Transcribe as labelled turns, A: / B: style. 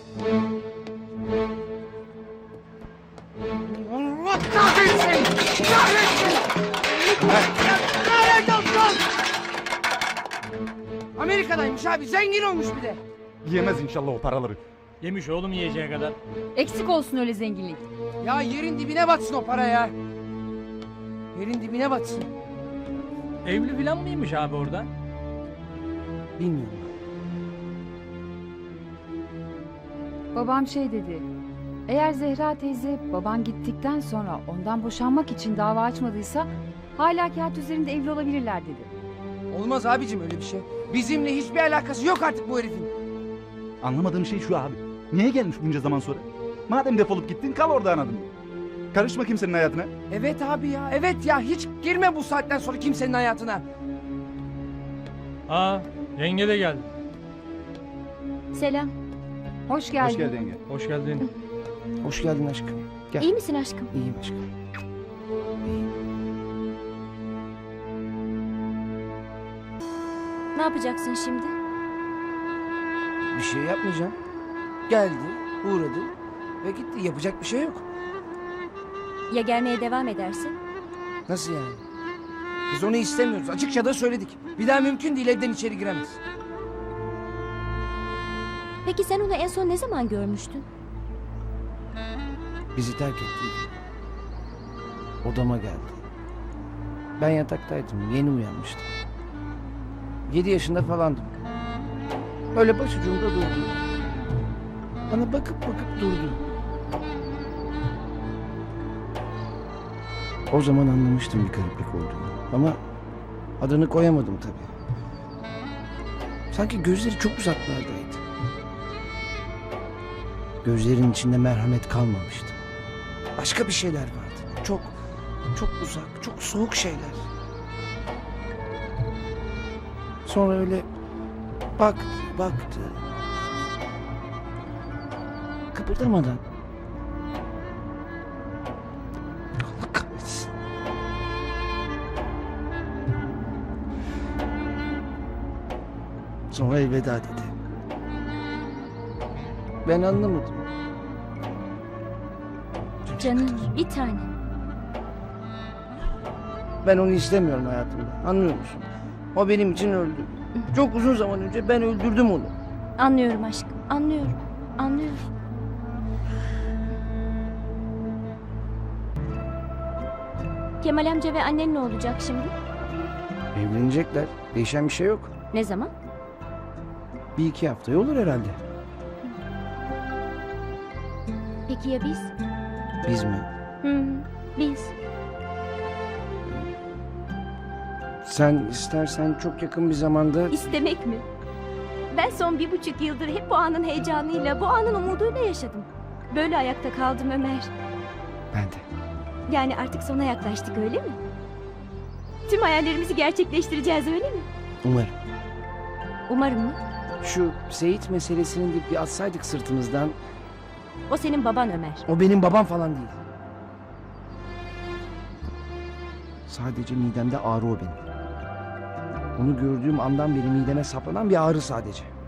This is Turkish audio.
A: Allah kahretsin! Kahretsin! Lanet olsun! Amerika'daymış abi, zengin olmuş bir de.
B: Yiyemez inşallah o paraları.
C: Yemiş oğlum yiyeceği kadar.
D: Eksik olsun öyle zenginlik.
A: Ya yerin dibine batsın o para ya. Yerin dibine batsın.
C: Evli filan mıymış abi orada?
A: Bilmiyorum.
D: Babam şey dedi. Eğer Zehra teyze baban gittikten sonra ondan boşanmak için dava açmadıysa hala kağıt üzerinde evli olabilirler dedi.
A: Olmaz abicim öyle bir şey. Bizimle hiçbir alakası yok artık bu herifin.
B: Anlamadığım şey şu abi. Niye gelmiş bunca zaman sonra? Madem defolup gittin kal orada anladın. Karışma kimsenin hayatına.
A: Evet abi ya, evet ya. Hiç girme bu saatten sonra kimsenin hayatına.
C: Aa, yenge de geldi.
E: Selam.
D: Hoş geldin.
B: Hoş geldin yenge.
C: Hoş geldin.
A: Hoş geldin aşkım. Gel.
E: İyi misin aşkım?
A: İyiyim aşkım.
E: Ne yapacaksın şimdi?
A: Bir şey yapmayacağım. Geldi, uğradı ve gitti. Yapacak bir şey yok.
E: Ya gelmeye devam edersin?
A: Nasıl yani? Biz onu istemiyoruz. Açıkça da söyledik. Bir daha mümkün değil, evden içeri giremez.
E: Peki sen onu en son ne zaman görmüştün?
A: Bizi terk etti. Odama geldi. Ben yataktaydım. Yeni uyanmıştım. 7 yaşında falandım. Öyle başucumda durdu. Bana bakıp bakıp durdu. O zaman anlamıştım bir gariplik olduğunu. Ama adını koyamadım tabii. Sanki gözleri çok uzaklardaydı. Gözlerin içinde merhamet kalmamıştı. Başka bir şeyler vardı. Çok, çok uzak, çok soğuk şeyler. Sonra öyle baktı, baktı. Kıpırdamadan. Allah kahretsin. Sonra elveda dedi. Ben anlamadım.
E: Canım bir tane.
A: Ben onu istemiyorum hayatımda. Anlıyor musun? O benim için öldü. Çok uzun zaman önce ben öldürdüm onu.
E: Anlıyorum aşkım. Anlıyorum. Anlıyorum. Kemal amca ve annen ne olacak şimdi?
A: Evlenecekler. Değişen bir şey yok.
E: Ne zaman?
A: 1-2 haftaya olur herhalde.
E: Peki ya biz?
A: Biz mi?
E: Hı, biz.
A: Sen istersen çok yakın bir zamanda...
E: İstemek mi? Ben son 1,5 yıldır hep bu anın heyecanıyla, bu anın umuduyla yaşadım. Böyle ayakta kaldım Ömer.
A: Ben de.
E: Yani artık sona yaklaştık öyle mi? Tüm hayallerimizi gerçekleştireceğiz öyle mi?
A: Umarım.
E: Umarım mı?
A: Şu Seyit meselesini de bir atsaydık sırtımızdan.
E: O senin baban Ömer.
A: O benim babam falan değil. Sadece midemde ağrı o benim. Onu gördüğüm andan beri mideme saplanan bir ağrı sadece.